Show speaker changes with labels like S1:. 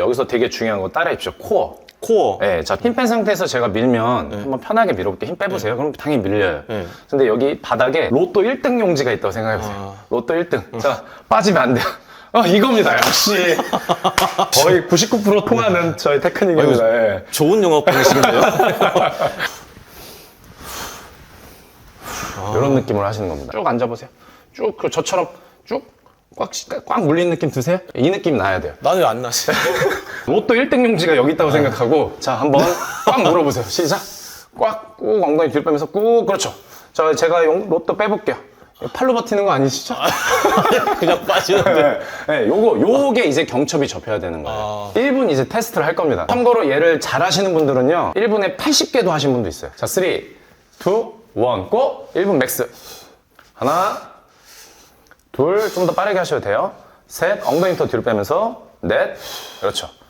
S1: 여기서 되게 중요한 거 따라해 주십시오. 코어.
S2: 코어.
S1: 네, 자, 힘 뺀 상태에서 제가 밀면 한번 편하게 밀어볼게요. 힘 빼보세요. 그럼 당연히 밀려요. 근데 여기 바닥에 로또 1등 용지가 있다고 생각해보세요. 로또 1등. 자, 빠지면 안 돼요. 이겁니다. 역시 거의 99% 통하는 저의 테크닉입니다. 예.
S2: 좋은 영업방식인데요?
S1: 이런 느낌으로 하시는 겁니다. 쭉 앉아보세요. 쭉, 저처럼 쭉 꽉 물리는 느낌 드세요? 이 느낌 나야 돼요.
S2: 나는 왜 안 나지?
S1: 로또 1등 용지가 여기 있다고 생각하고, 자, 한번 꽉 물어보세요. 시작. 꽉, 꾹 엉덩이 뒤로 빼면서 꾹, 그렇죠. 제가 로또 빼볼게요. 팔로 버티는 거 아니시죠?
S2: 그냥 빠지는데.
S1: 네, 요게 이제 경첩이 접혀야 되는 거예요. 1분 이제 테스트를 할 겁니다. 참고로 얘를 잘 하시는 분들은요, 1분에 80개도 하신 분도 있어요. 자, 3, 2, 1, 고! 1분 맥스. 하나, 둘, 좀 더 빠르게 하셔도 돼요. 셋, 엉덩이 더 뒤로 빼면서, 넷, 그렇죠.